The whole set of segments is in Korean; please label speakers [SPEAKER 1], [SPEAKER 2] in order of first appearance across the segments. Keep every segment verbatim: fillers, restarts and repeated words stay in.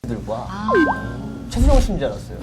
[SPEAKER 1] 들과 아. 최수정 씨인 줄 알았어요.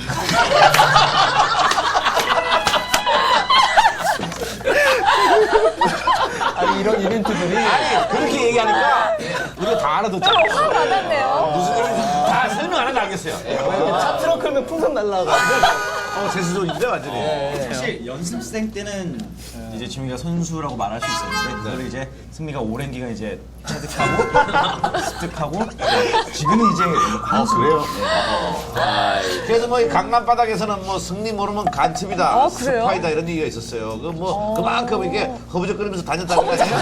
[SPEAKER 1] 아니 이런 이벤트들이
[SPEAKER 2] 아니 그렇게 얘기하니까 우리가 다 알아듣잖아.
[SPEAKER 3] 확 와닿네요.
[SPEAKER 2] 무슨 일인지 다 설명 안 해도 알겠어요.
[SPEAKER 1] 차 트럭 끌면 풍선 날라가고
[SPEAKER 2] 어, 제수조인데 완전히.
[SPEAKER 4] 사실 연습생 때는 이제 지민이가 선수라고 말할 수 있었는데 그걸 이제 승미가 오랜 기간 이제 체득하고 습득하고 지금은 이제 한 수.
[SPEAKER 2] 그래요? 그래서 뭐 이 강남 바닥에서는 뭐 승리 모르면 간첩이다,
[SPEAKER 3] 어, 그래요?
[SPEAKER 2] 스파이다 이런 얘기가 있었어요. 그 뭐 그만큼 이게 허부적거리면서 다녔다는 거 아니에요?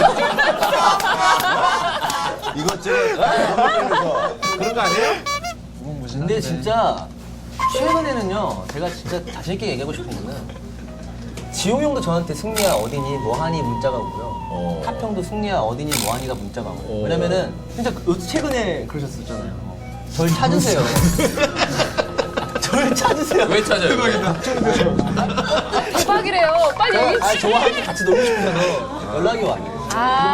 [SPEAKER 2] 이것저것 허부적거리면서 그런 거 아니에요?
[SPEAKER 1] 근데 진짜 최근에는요 제가 진짜 자신 있게 얘기하고 싶은 거는 지용 형도 저한테 승리야 어디니 뭐하니 문자가 오고요. 탑 형도 승리야 어디니 뭐하니가 문자가 오고. 왜냐면은 진짜 그- 최근에 그러셨었잖아요. 절 찾으세요. 절 찾으세요.
[SPEAKER 5] 왜 찾아요?
[SPEAKER 3] 대박이래요. 빨리 얘기해
[SPEAKER 1] 아,
[SPEAKER 3] 주세요.
[SPEAKER 1] 저와 함께 같이 놀고 싶어서 연락이 와요.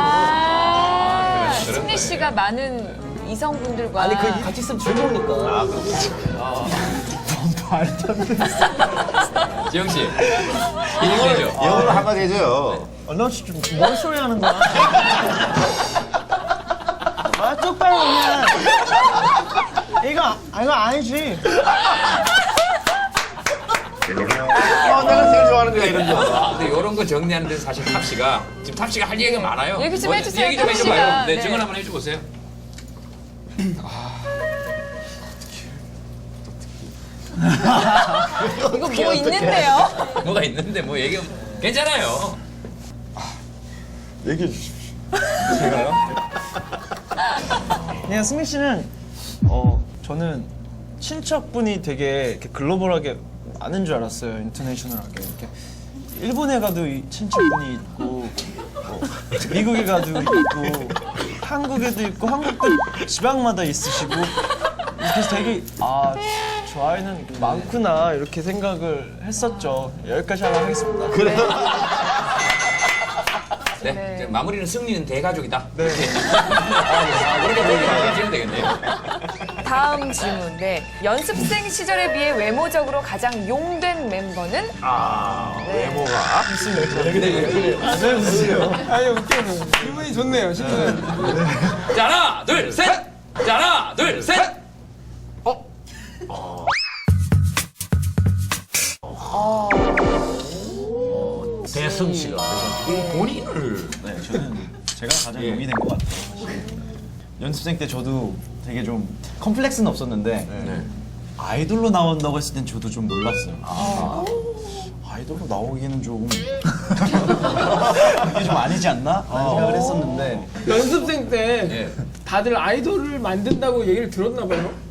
[SPEAKER 3] 아, 승리 씨가 많은 이성분들과
[SPEAKER 1] 아니 그 같이 있으면 즐거우니까. 아,
[SPEAKER 5] 지영 씨, 인정되죠?
[SPEAKER 2] 영어로 한마디 해줘요.
[SPEAKER 6] 너 진짜 뭔 소리 하는 거야? 아 똑바로 그냥 이거 아, 이거 아니지.
[SPEAKER 2] 어, 내가 제일 좋아하는 거야 이런 거.
[SPEAKER 5] 아, 근데 이런 거 정리하는 데서 사실 탑 씨가 지금 탑 씨가 할 얘기가 많아요.
[SPEAKER 3] 얘기 좀
[SPEAKER 5] 뭐,
[SPEAKER 3] 해주세요,
[SPEAKER 5] 얘기 좀
[SPEAKER 3] 탑 씨가.
[SPEAKER 5] 해줘봐요. 네,
[SPEAKER 3] 네.
[SPEAKER 5] 증언 한번 해줘보세요.
[SPEAKER 3] 이거 뭐 있는데요?
[SPEAKER 5] 뭐가 있는데 뭐 얘기 괜찮아요.
[SPEAKER 2] 얘기해 주십시오.
[SPEAKER 6] 그냥 승민 씨는 어 저는 친척분이 되게 이렇게 글로벌하게 많은 줄 알았어요. 인터내셔널하게 이렇게 일본에 가도 이 친척분이 있고 뭐 미국에 가도 있고 한국에도 있고 한국도 지방마다 있으시고 그래서 되게 아 저 아이는 많구나 이렇게 생각을 했었죠. 여기까지 하려 하겠습니다.
[SPEAKER 5] 네,
[SPEAKER 3] 네.
[SPEAKER 5] 이제 마무리는 승리는 대가족이다.
[SPEAKER 6] 네.
[SPEAKER 5] 아, 그렇게 얘기하시면 되겠네요.
[SPEAKER 3] 다음 질문. 네. 연습생 시절에 비해 외모적으로 가장 용된 멤버는?
[SPEAKER 2] 아 외모가.
[SPEAKER 6] 아니 웃겨요. 기분이 좋네요. 신나요.
[SPEAKER 5] 자, 하나, 둘, 셋! 자, 하나, 둘, 셋!
[SPEAKER 2] 대승 씨가.
[SPEAKER 5] 본인을.
[SPEAKER 4] 네, 저는 제가 가장 용이 된 것 같아요. 사실. 연습생 때 저도 되게 좀 컴플렉스는 없었는데 아이돌로 나온다고 했을 땐 저도 좀 놀랐어요. 아, 아이돌로 나오기에는 조금 이게 좀 아니지 않나? 라는 생각을 했었는데
[SPEAKER 7] 연습생 때
[SPEAKER 5] 예.
[SPEAKER 7] 다들 아이돌을 만든다고 얘기를 들었나 봐요.